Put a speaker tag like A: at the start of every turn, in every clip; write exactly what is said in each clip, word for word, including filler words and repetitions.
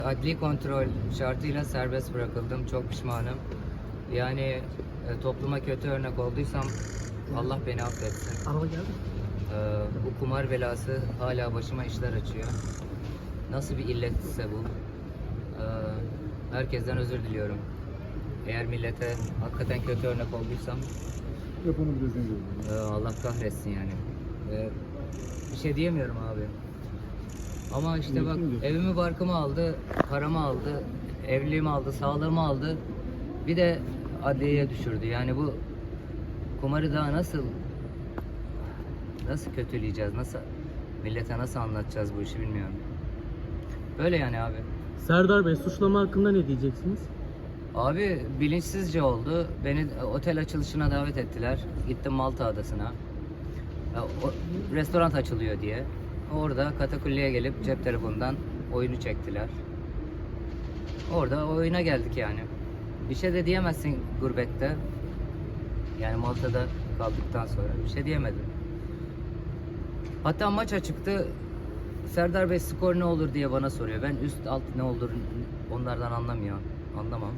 A: Adli kontrol şartıyla serbest bırakıldım. Çok pişmanım. Yani e, topluma kötü örnek olduysam Allah beni affetsin.
B: Araba geldi.
A: E, bu kumar belası hala başıma işler açıyor. Nasıl bir illetse bu. E, herkesten özür diliyorum. Eğer millete hakikaten kötü örnek olduysam e, Allah kahretsin yani. E, bir şey diyemiyorum abi. Ama işte bak, evimi barkımı aldı, paramı aldı, evliliğimi aldı, sağlığımı aldı. Bir de adliyeye düşürdü. Yani bu kumarı daha nasıl nasıl kötüleyeceğiz, nasıl millete nasıl anlatacağız bu işi bilmiyorum. Böyle yani abi.
B: Serdar Bey, suçlama hakkında ne diyeceksiniz?
A: Abi bilinçsizce oldu. Beni otel açılışına davet ettiler. Gittim Malta Adası'na. Ya, o, restoran açılıyor diye. Orada katakulliye gelip cep telefonundan oyunu çektiler. Orada oyuna geldik yani. Bir şey de diyemezsin gurbette. Yani Malta'da kaldıktan sonra bir şey diyemedim. Hatta maça çıktı. Serdar Bey skor ne olur diye bana soruyor. Ben üst alt ne olur onlardan anlamıyor. Anlamam.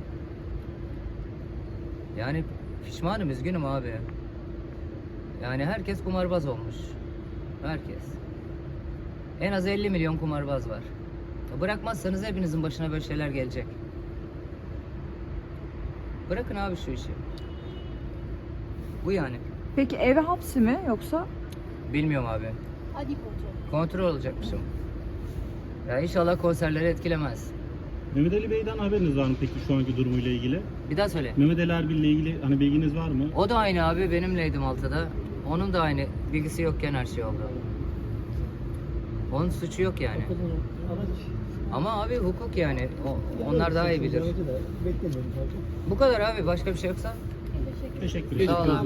A: Yani pişmanım, üzgünüm abi. Yani herkes kumarbaz olmuş. Herkes. En az elli milyon kumarbaz var. Bırakmazsanız hepinizin başına böyle şeyler gelecek. Bırakın abi şu işi. Bu yani.
C: Peki eve hapsi mi yoksa?
A: Bilmiyorum abi.
D: Hadi kontrol.
A: Kontrol olacakmışım. Ya inşallah konserleri etkilemez.
E: Mehmet Ali Bey'den haberiniz var mı peki şu anki durumuyla ilgili?
A: Bir daha söyle.
E: Mehmet Ali Erbil ile ilgili hani bilginiz var mı?
A: O da aynı abi, benimleydi Malta'da. Onun da aynı. Bilgisi yokken her şey oldu. Onun suçu yok yani. Ama abi hukuk yani. O, onlar daha iyi bilir. Bu kadar abi. Başka bir şey yoksa.
E: Teşekkür ederim.
A: Sağ ol abi.